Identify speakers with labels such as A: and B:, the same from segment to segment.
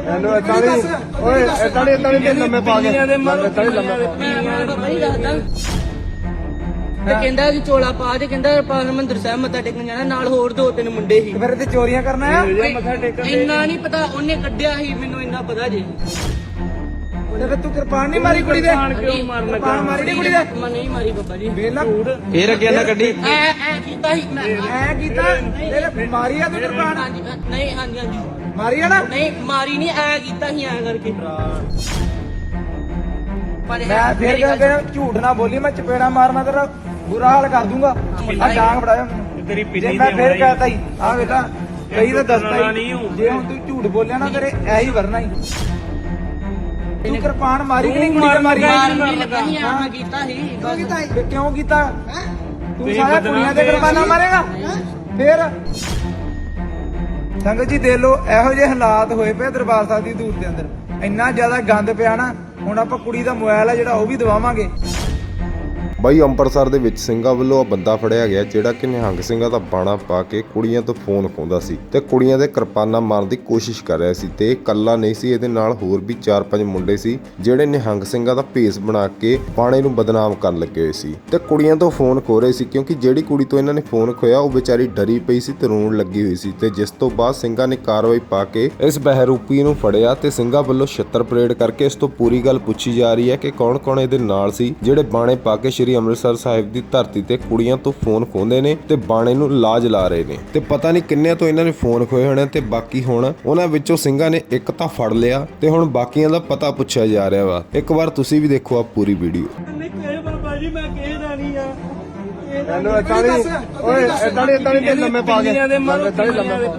A: Hello ਇਤਾਲੀ ਓਏ ਇਤਾਲੀ ਤੇ ਲੰਮੇ ਪਾ ਕੇ ਇਤਾਲੀ ਲੰਮੇ
B: ਤੇ ਕਹਿੰਦਾ ਕਿ ਚੋਲਾ ਪਾ ਤੇ ਕਹਿੰਦਾ ਆਪਾਂ ਹਰਿਮੰਦਰ ਸਾਹਿਬ ਮੱਥਾ ਟੇਕਣ ਜਾਣਾ, ਨਾਲ ਹੋਰ 2-3 ਮੁੰਡੇ ਸੀ।
A: ਫਿਰ ਤੇ ਚੋਰੀਆਂ ਕਰਨਾ ਆ
B: ਮੱਥਾ ਟੇਕਣ ਇੰਨਾ ਨਹੀਂ ਪਤਾ, ਉਹਨੇ ਕੱਢਿਆ ਸੀ, ਮੈਨੂੰ ਇੰਨਾ ਪਤਾ ਜੀ।
A: ਤੇ ਫਿਰ ਤੂੰ ਕਿਰਪਾਨ ਨਹੀਂ ਮਾਰੀ ਕੁੜੀ ਦੇ?
B: ਕਿਉਂ ਮਾਰਨ ਲੱਗਾ?
A: ਕਿਰਪਾਨ ਮਾਰੀ ਨਹੀਂ ਕੁੜੀ ਦੇ?
B: ਮੈਂ ਨਹੀਂ ਮਾਰੀ ਬਾਬਾ ਜੀ।
A: ਵੇਲਾ
C: ਫੇਰ ਅੱਗੇ ਨਾ ਕੱਢੀ
B: ਐ ਕੀਤਾ ਸੀ ਮੈਂ।
A: ਐ ਕੀਤਾ ਤੇਰੇ ਮਾਰੀ ਆ ਤੂੰ ਕਿਰਪਾਨ?
B: ਹਾਂਜੀ ਨਹੀਂ, ਹਾਂਜੀ
A: ਮਾਰੀ ਆ ਨਾ?
B: ਨਹੀਂ ਮਾਰੀ ਨਹੀਂ, ਐ ਕੀਤਾ ਸੀ ਐ ਕਰਕੇ।
A: ਮੈਂ ਫੇਰ ਕਹਿੰਦਾ ਝੂਠ ਨਾ ਬੋਲੀ, ਮੈਂ ਚਪੇੜਾ ਮਾਰਨਾ ਤੇਰਾ ਬੁਰਾ ਹਾਲ ਕਰ ਦੂੰਗਾ। ਆ ਡਾਂਗ ਫੜਾਇਆ ਮੈਨੂੰ
C: ਤੇਰੀ
A: ਜੇ
C: ਪਿੰਨੀ
A: ਮੈਂ
C: ਦੀ
A: ਫੇਰ ਕਹਤਾ ਹੀ ਆ ਵੇਲਾ ਕਈ ਤਾਂ ਦੱਸਦਾ ਹੀ, ਜੇ ਹੁਣ ਤੂੰ ਝੂਠ ਬੋਲਿਆ ਨਾ ਤੇਰੇ ਐ ਹੀ ਵਰਨਾ ਹੀ। ਤੂੰ ਕਿਰਪਾਨ ਮਾਰੀ ਕਿ ਨਹੀਂ ਕੁੜੀ ਨੇ ਮਾਰੀ?
B: ਮਾਰਨ ਲੱਗਾ ਸੀ ਐ ਮੈਂ ਕੀਤਾ ਸੀ ਬਸ।
A: ਤੇ ਕਿਉਂ ਕੀਤਾ? ਤੂੰ ਸਾਰਾ ਕੁੜੀਆਂ ਤੇ ਕਿਰਪਾਨਾਂ ਮਾਰੇਗਾ ਫੇਰ? ਸੰਗਤ ਜੀ ਦੇਖ ਲਓ ਇਹੋ ਜਿਹੇ ਹਾਲਾਤ ਹੋਏ ਪਏ ਦਰਬਾਰ ਸਾਹਿਬ ਦੀ ਧੂੜ ਦੇ ਅੰਦਰ, ਇੰਨਾ ਜ਼ਿਆਦਾ ਗੰਦ ਪਿਆ ਨਾ। ਹੁਣ ਆਪਾਂ ਕੁੜੀ ਦਾ ਮੋਬਾਈਲ ਆ ਜਿਹੜਾ ਉਹ ਵੀ ਦਵਾਵਾਂਗੇ।
D: ਬਾਈ ਅੰਮ੍ਰਿਤਸਰ ਦੇ ਵਿੱਚ ਸਿੰਘਾਂ ਵੱਲੋਂ ਆ ਬੰਦਾ ਫੜਿਆ ਗਿਆ ਜਿਹੜਾ ਕਿ ਨਿਹੰਗ ਸਿੰਘਾਂ ਦਾ ਬਾਣਾ ਪਾ ਕੇ ਕੁੜੀਆਂ ਤੋਂ ਫੋਨ ਖੋਹਦਾ ਸੀ ਤੇ ਕੁੜੀਆਂ ਦੇ ਕਿਰਪਾਨਾਂ ਮਾਰਨ ਦੀ ਕੋਸ਼ਿਸ਼ ਕਰ ਰਿਹਾ ਸੀ। ਤੇ ਇਹ ਇਕੱਲਾ ਨਹੀਂ ਸੀ, ਇਹਦੇ ਨਾਲ ਹੋਰ ਵੀ 4-5 ਮੁੰਡੇ ਸੀ ਜਿਹੜੇ ਨਿਹੰਗ ਸਿੰਘਾਂ ਦਾ ਭੇਸ ਬਣਾ ਕੇ ਬਾਣੇ ਨੂੰ ਬਦਨਾਮ ਕਰਨ ਲੱਗੇ ਹੋਏ ਸੀ ਤੇ ਕੁੜੀਆਂ ਤੋਂ ਫੋਨ ਖੋਹ ਰਹੇ ਸੀ, ਕਿਉਂਕਿ ਜਿਹੜੀ ਕੁੜੀ ਤੋਂ ਇਹਨਾਂ ਨੇ ਫੋਨ ਖੋਇਆ ਉਹ ਵਿਚਾਰੀ ਡਰੀ ਪਈ ਸੀ ਤੇ ਰੋਣ ਲੱਗੀ ਹੋਈ ਸੀ। ਤੇ ਜਿਸ ਤੋਂ ਬਾਅਦ ਸਿੰਘਾਂ ਨੇ ਕਾਰਵਾਈ ਪਾ ਕੇ ਇਸ ਬਹਿਰੂਪੀ ਨੂੰ ਫੜਿਆ ਤੇ ਸਿੰਘਾਂ ਵੱਲੋਂ ਛਿੱਤਰ ਪਰੇਡ ਕਰਕੇ ਇਸ ਤੋਂ ਪੂਰੀ ਗੱਲ ਪੁੱਛੀ ਜਾ ਰਹੀ ਹੈ ਕਿ ਕੌਣ-ਕੌਣ ਇਹਦੇ ਨਾਲ ਸੀ ਜਿਹੜੇ ਬਾਣੇ ਪਾ ਕੇ ਸ਼੍ਰੀ ਅੰਮ੍ਰਿਤਸਰ ਸਾਹਿਬ ਦੀ ਧਰਤੀ ਤੇ ਕੁੜੀਆਂ ਤੋਂ ਫੋਨ ਖੋਹਦੇ ਨੇ ਤੇ ਬਾਣੇ ਨੂੰ ਲਾਜ ਲਾ ਰਹੇ ਨੇ। ਤੇ ਪਤਾ ਨਹੀਂ ਕਿੰਨਿਆਂ ਤੋਂ ਇਹਨਾਂ ਨੇ ਫੋਨ ਖੋਏ ਹੋਣੇ ਤੇ ਬਾਕੀ ਹੁਣ ਉਹਨਾਂ ਵਿੱਚੋਂ ਸਿੰਘਾਂ ਨੇ ਇੱਕ ਤਾਂ ਫੜ ਲਿਆ ਤੇ ਹੁਣ ਬਾਕੀਆਂ ਦਾ ਪਤਾ ਪੁੱਛਿਆ ਜਾ ਰਿਹਾ ਵਾ। ਇੱਕ ਵਾਰ ਤੁਸੀਂ ਵੀ ਦੇਖੋ ਆ ਪੂਰੀ ਵੀਡੀਓ।
B: ਬਾਬਾ ਜੀ ਮੈਂ ਕਿਸੇ ਦਾ ਨਹੀਂ ਆ।
A: ਹੈਲੋ ਇਤਾਲੀ ਓਏ ਇਤਾਲੀ ਤੇ ਲੰਮੇ ਪਾ ਕੇ ਇਤਾਲੀ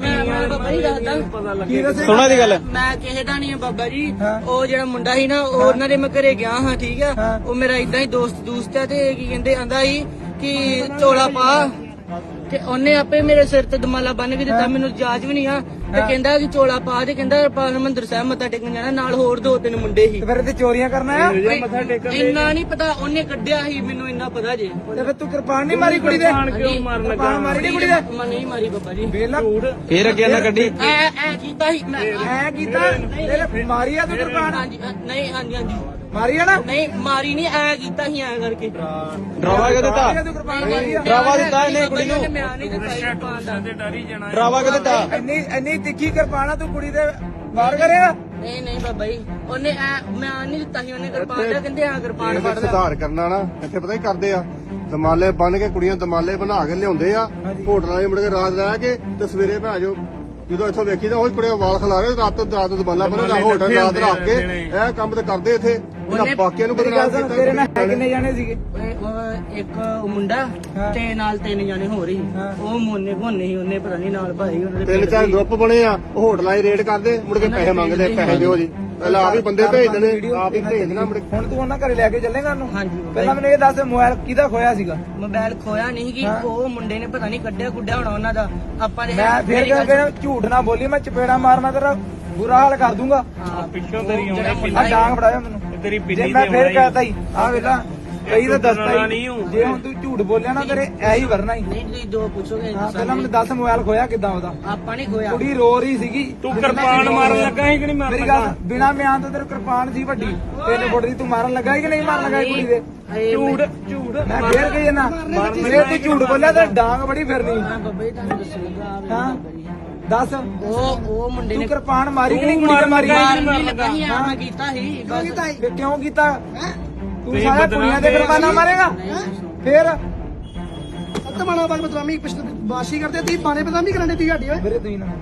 A: ਲੰਮੇ
C: ਸੁਣਾ ਦੀ ਗੱਲ।
B: ਮੈਂ ਕਿਸੇ ਦਾ ਨਹੀਂ ਆ ਬਾਬਾ ਜੀ। ਉਹ ਜਿਹੜਾ ਮੁੰਡਾ ਸੀ ਨਾ, ਉਹ ਉਹਨਾਂ ਦੇ ਮੈਂ ਘਰੇ ਗਿਆ ਹਾਂ, ਠੀਕ ਆ। ਉਹ ਮੇਰਾ ਇਦਾਂ ਹੀ ਦੋਸਤ ਆ ਤੇ ਕੀ ਕਹਿੰਦੇ ਆਂਦਾ ਸੀ ਕਿ ਚੋਲਾ ਪਾ, ਤੇ ਉਹਨੇ ਆਪੇ ਮੇਰੇ ਸਿਰ ਤੇ ਦਮਾਲਾ ਬੰਨ ਕੇ ਦਿੱਤਾ, ਮੈਨੂੰ ਜਾਜ ਵੀ ਨਹੀਂ ਆ। ਤੇ ਕਹਿੰਦਾ ਕਿ ਚੋਲਾ ਪਾ ਤੇ ਕਹਿੰਦਾ ਆਪਾਂ ਹਰਿਮੰਦਰ ਸਾਹਿਬ ਮੱਥਾ ਟੇਕਣ ਜਾਣਾ, ਨਾਲ ਹੋਰ 2-3 ਮੁੰਡੇ ਸੀ।
A: ਫਿਰ ਤੇ ਚੋਰੀਆਂ ਕਰਨਾ ਆ
B: ਇੰਨਾ ਨਹੀਂ ਪਤਾ, ਉਹਨੇ ਕੱਢਿਆ ਸੀ, ਮੈਨੂੰ ਇੰਨਾ ਪਤਾ ਜੇ।
A: ਤੇ ਫਿਰ ਤੂੰ ਕਿਰਪਾਨ ਨਹੀਂ ਮਾਰੀ ਕੁੜੀ ਦੇ?
B: ਕਿਉਂ ਮਾਰਨ ਲੱਗਾ?
A: ਕਿਰਪਾਨ ਮਾਰੀ ਨਹੀਂ ਕੁੜੀ ਦੇ?
B: ਮੈਂ ਨਹੀਂ ਮਾਰੀ ਬਾਬਾ ਜੀ।
A: ਵੇਲਾ
C: ਫੇਰ ਅੱਗੇ ਨਾ ਕੱਢੀ
B: ਐ ਕੀਤਾ ਸੀ ਮੈਂ।
A: ਐ ਕੀਤਾ ਤੇਰੇ ਮਾਰੀ ਆ ਤੂੰ ਕਿਰਪਾਨ?
B: ਨਹੀਂ, ਹਾਂਜੀ
A: ਮਾਰੀ ਆ ਨਾ?
B: ਨਹੀਂ ਮਾਰੀ ਨਹੀਂ, ਐ ਕੀਤਾ ਸੀ ਐ ਕਰਕੇ।
C: ਡਰਾਵਾ ਕਿਉਂ ਦਿੱਤਾ?
A: ਤੂੰ ਕਿਰਪਾਨ ਮਾਰੀ ਆ?
C: ਡਰਾਵਾ ਦਿੱਤਾ ਇਹਨੇ ਕੁੜੀ ਨੂੰ?
B: ਮੈਂ ਨਹੀਂ ਦਿੱਤਾ ਸੀ ਕਿਰਪਾਨ ਦਾ।
C: ਡਰਾਵਾ ਕਿਉਂ ਦਿੱਤਾ?
A: ਇੰਨੀ ਤਿੱਖੀ ਕਿਰਪਾਨ ਆ ਤੂੰ ਕੁੜੀ ਦੇ ਵਾਰ ਕਰੇਗਾ?
B: ਨਹੀਂ ਬਾਬਾ ਜੀ, ਉਹਨੇ ਮੈਂ ਨਹੀਂ ਦਿੱਤਾ ਸੀ, ਉਹਨੇ ਕਿਰਪਾਨ ਦਾ। ਕਹਿੰਦੇ ਆ ਕਿਰਪਾਨ ਫੜ ਲੈ।
E: ਸੁਧਾਰ ਕਰਨਾ ਨਾ ਇੱਥੇ ਪਤਾ ਹੀ ਕਰਦੇ ਆ, ਦਮਾਲੇ ਬੰਨ ਕੇ ਕੁੜੀਆਂ ਦਮਾਲੇ ਬਣਾ ਕੇ ਲਿਆਉਂਦੇ ਆ ਹੋਟਲਾਂ 'ਚ ਮੁੜ ਕੇ ਰਾਤ ਰਹਿ ਕੇ ਤੇ ਸਵੇਰੇ ਭਾਜੋ ਜਦੋਂ ਇੱਥੋਂ ਵੇਖੀ ਤਾਂ ਉਹ ਕੁੜੀਆਂ ਵਾਲ ਖਿਲਾ ਰਹੇ ਰਾਤ ਦਮਾਲਾ ਬੰਨਣਾ ਹੋਟਲ ਰਾਤ ਰੱਖ ਕੇ ਇਹ ਕੰਮ ਤੇ ਕਰਦੇ ਇੱਥੇ ਉਹਨਾਂ ਬਾਕੀਆਂ ਨੂੰ ਬਦਨਾਮ ਕੀਤਾ।
A: ਤੇਰੇ ਨਾਲ ਹੈ ਕਿੰਨੇ ਜਾਣੇ ਸੀਗੇ?
B: ਇੱਕ ਮੁੰਡਾ ਤੇ ਨਾਲ 3 ਜਾਣੇ ਹੋ ਰਹੀ। ਉਹ ਮੋਨੇ ਘੋਨੇ ਸੀ, ਉਹਨੇ ਪਤਾ ਨਹੀਂ ਨਾਲ ਭਾਈ ਉਹਨਾਂ ਦੇ
E: 3-4 ਗਰੁੱਪ ਬਣੇ ਆ, ਉਹ ਹੋਟਲਾਂ 'ਚ ਰੇਡ ਕਰਦੇ ਮੁੜ ਕੇ ਪੈਸੇ ਮੰਗਦੇ, ਪੈਸੇ ਦਿਓ ਜੀ। ਪਹਿਲਾਂ ਆਪ ਹੀ ਬੰਦੇ ਭੇਜ ਦੇਣੇ, ਆਪ ਹੀ ਭੇਜ ਦੇਣਾ ਮੁੜ ਕੇ।
A: ਹੁਣ ਤੂੰ ਉਹਨਾਂ ਘਰੇ ਲੈ ਕੇ ਚੱਲੇਗਾ ਉਹਨੂੰ?
B: ਹਾਂਜੀ
A: ਪਹਿਲਾਂ ਮੈਨੂੰ ਇਹ ਦੱਸ ਮੋਬਾਈਲ ਕਿਹਦਾ ਖੋਇਆ ਸੀਗਾ?
B: ਮੋਬਾਈਲ ਖੋਇਆ ਨਹੀਂ ਕਿ ਉਹ ਮੁੰਡੇ ਨੇ ਪਤਾ ਨਹੀਂ ਕੱਢਿਆ ਹੋਣਾ ਉਹਨਾਂ ਦਾ। ਆਪਾਂ ਨੇ
A: ਮੈਂ ਫੇਰ ਕਹਿੰਦਾ ਝੂਠ ਨਾ ਬੋਲੀ, ਮੈਂ ਚਪੇੜਾ ਮਾਰਨਾ ਤੇਰਾ ਬੁਰਾ ਹਾਲ ਕਰ ਦੂੰਗਾ।
C: ਪਿੱਛੋਂ ਤੇਰੀ
A: ਆ ਡਾਂਗ ਫੜਾਇਆ ਮੈਨੂੰ
C: ਤੇਰੀ
A: ਜੇ
C: ਪਿੰਨੀ
A: ਮੈਂ
C: ਦੀ
A: ਫੇਰ ਕਹਤਾ ਹੀ ਆ ਵੇਲਾ ਕਈ ਤਾਂ ਦੱਸਦਾ ਹੀ,
C: ਨਹੀਂ
A: ਜੇ ਹੁਣ ਤੂੰ ਝੂਠ ਬੋਲਿਆ ਨਾ ਤੇਰੇ ਐ ਹੀ ਵਰਨਾ ਹੀ।
B: ਨਹੀਂ ਤੁਸੀਂ ਦੋ ਪੁੱਛੋਗੇ
A: ਹਾਂ ਪਹਿਲਾਂ ਮੈਨੂੰ ਦੱਸ ਮੋਬਾਈਲ ਖੋਇਆ ਕਿੱਦਾਂ ਉਹਦਾ?
B: ਆਪਾਂ ਨਹੀਂ ਖੋਇਆ।
A: ਕੁੜੀ ਰੋ ਰਹੀ ਸੀਗੀ।
C: ਤੂੰ ਕਿਰਪਾਨ ਮਾਰਨ ਲੱਗਾ ਸੀ ਕਿ ਨਹੀਂ ਮਾਰਨ
A: ਮੇਰੀ ਗੱਲ ਬਿਨਾ ਮਿਆਨ ਤੋਂ ਤੇਰੇ ਕਿਰਪਾਨ ਸੀ ਵੱਡੀ 3 ਫੁੱਟ ਦੀ, ਤੂੰ ਮਾਰਨ ਲੱਗਾ ਸੀ ਕਿ ਨਹੀਂ ਮਾਰਨ ਲੱਗਾ ਕੁੜੀ ਦੇ? ਝੂਠ ਮੈਂ ਫੇਰ ਕਹੀ ਨਾ, ਜੇ ਤੂੰ ਝੂਠ ਬੋਲਿਆ ਤਾਂ ਡਾਂਗ ਬੜੀ ਫਿਰਨੀ।
B: ਬਾਬਾ ਜੀ ਤੁਹਾਨੂੰ ਦੱਸੂਗਾ
A: ਹਾਂ ਦੱਸ
B: ਉਹ ਮੁੰਡੇ
A: ਤੂੰ
B: ਨੇ
A: ਕਿਰਪਾਨ ਮਾਰੀ ਕਿ ਨਹੀਂ ਕੁੜੀ ਨੇ ਮਾਰੀ?
B: ਮਾਰਨ ਲੱਗਾ ਸੀ, ਮੈਂ ਕੀਤਾ ਸੀ ਬਸ।
A: ਫਿਰ ਕਿਉਂ ਕੀਤਾ? ਤੂੰ ਸਾਰਾ ਕੁੜੀਆਂ ਦੇ ਕਿਰਪਾਨਾਂ ਮਾਰੇਗਾ ਫੇਰ?
F: ਸੱਤ ਬਾਣਾ ਬਾਗ ਬਦਨਾਮੀ ਬਾਸ਼ੀ ਕਰਦੇ ਤੀ ਬਾਣੇ ਬਦਨਾਮੀ ਕਰਨ ਦੇ ਤੀ ਗਾਡੀ ਓਏ
A: ਮੇਰੇ ਤੁਸੀਂ ਨਾ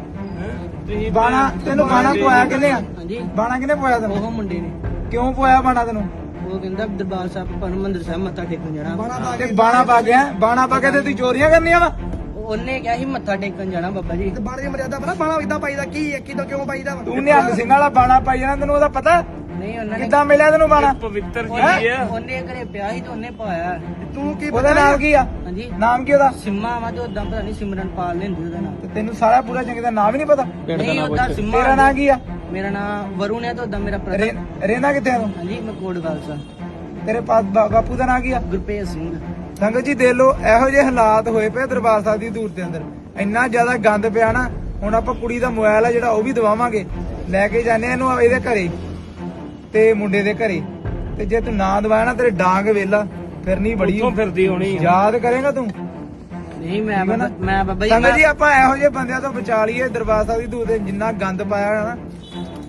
A: ਬਾਣਾ ਤੈਨੂੰ ਬਾਣਾ ਪਵਾਇਆ ਕਿੰਨੇ ਆ?
B: ਹਾਂਜੀ
A: ਬਾਣਾ ਕਿੰਨੇ ਪਵਾਇਆ ਤੈਨੂੰ?
B: ਉਹ ਮੁੰਡੇ ਨੇ।
A: ਕਿਉਂ ਪਵਾਇਆ ਬਾਣਾ ਤੈਨੂੰ?
B: ਉਹ ਕਹਿੰਦਾ ਦਰਬਾਰ ਸਾਹਿਬ ਹਰਿਮੰਦਰ ਸਾਹਿਬ ਮੱਥਾ ਟੇਕਣ ਜਾਣਾ।
A: ਤੇ ਬਾਣਾ ਪਾ ਗਿਆ, ਬਾਣਾ ਪਾ ਕੇ ਤੇ ਤੂੰ ਚੋਰੀਆਂ ਕਰਨੀਆਂ ਵਾ?
B: ਉਹਨੇ ਕਿਹਾ ਸੀ ਮੱਥਾ ਟੇਕਣ ਜਾਣਾ ਬਾਬਾ ਜੀ।
F: ਤੇ ਬਾਣੇ ਦੀ ਮਰਿਆਦਾ ਪਤਾ ਬਾਣਾ ਇਦਾਂ ਪਾਈਦਾ ਕੀ ਹੈ ਕਿਦੋਂ ਕਿਉਂ ਪਾਈਦਾ ਵਾ?
A: ਤੂੰ ਨਿਹੰਗ ਸਿੰਘ ਵਾਲਾ ਬਾਣਾ ਪਾਈ ਜਾਣਾ, ਤੈਨੂੰ ਉਹਦਾ ਪਤਾ?
B: ਨਹੀਂ ਉਹਨਾਂ ਨੇ
A: ਕਿੱਦਾਂ ਮਿਲਿਆ ਤੈਨੂੰ ਬਾਣਾ?
C: ਪਵਿੱਤਰ
B: ਉਹਨੇ ਘਰੇ ਪਿਆ ਸੀ ਤੇ ਉਹਨੇ ਪਾਇਆ।
F: ਤੂੰ ਕੀ
A: ਉਹਦਾ ਨਾਮ ਕੀ ਆ?
B: ਹਾਂਜੀ
A: ਨਾਮ ਕੀ ਉਹਦਾ?
B: ਸਿੰਮਾ ਵਾ ਤੇ ਉਦਾਂ ਪਤਾ ਨਹੀਂ ਸਿਮਰਨ ਪਾਲ ਲੈਂਦੀ ਉਹਦਾ ਨਾਮ।
A: ਤੇ ਤੈਨੂੰ ਸਾਰਾ ਪੂਰਾ ਚੰਗੀ ਦਾ ਨਾਮ ਹੀ ਨਹੀਂ ਪਤਾ?
B: ਨਹੀਂ ਉਦਾਂ ਸਿੰਮਾ।
A: ਤੇਰਾ ਨਾਮ ਕੀ ਆ?
B: ਮੇਰਾ ਨਾਮ ਵਰੁਣ ਹੈ ਤੇ ਉਦਾਂ ਮੇਰਾ
A: ਰਹਿੰਦਾ ਕਿੱਥੇ ਆ ਤੂੰ?
B: ਹਾਂਜੀ ਮੈਂ ਕੋਟ ਖਾਲਸਾ।
A: ਤੇਰੇ ਬਾਪੂ ਦਾ ਨਾਮ ਕੀ ਆ?
B: ਗੁਰਪ੍ਰੀਤ ਸਿੰਘ।
A: ਸੰਗਤ ਜੀ ਦੇਖ ਲਓ ਇਹੋ ਜਿਹੇ ਹਾਲਾਤ ਹੋਏ ਪਏ ਦਰਬਾਰ ਸਾਹਿਬ ਦੀ ਧੂੜ ਦੇ ਅੰਦਰ, ਇੰਨਾ ਜ਼ਿਆਦਾ ਗੰਦ ਪਿਆ ਨਾ। ਹੁਣ ਆਪਾਂ ਕੁੜੀ ਦਾ ਮੋਬਾਈਲ ਆ ਜਿਹੜਾ ਉਹ ਵੀ ਦਵਾਵਾਂਗੇ। ਲੈ ਕੇ ਜਾਂਦੇ ਇਹਨੂੰ ਇਹਦੇ ਘਰੇ ਤੇ ਮੁੰਡੇ ਦੇ ਘਰੇ, ਤੇ ਜੇ ਤੂੰ ਨਾ ਦਵਾਇਆ ਨਾ ਤੇਰੇ ਡਾਂਗ ਵੇਲਾ ਫਿਰ ਨਹੀਂ ਬੜੀ
C: ਉੱਥੋਂ ਫਿਰਦੀ ਹੋਣੀ ਆ।
A: ਯਾਦ ਕਰੇਗਾ ਤੂੰ।
B: ਨਹੀਂ ਮੈਂ ਬਾਬਾ ਜੀ
A: ਸੰਗਤ ਜੀ ਆਪਾਂ ਇਹੋ ਜਿਹੇ ਬੰਦਿਆਂ ਤੋਂ ਬਚਾ ਲਈਏ। ਦਰਬਾਰ ਸਾਹਿਬ ਦੀ ਧੂੜ ਤੇ ਜਿੰਨਾ ਗੰਦ ਪਾਇਆ ਹੋਇਆ ਨਾ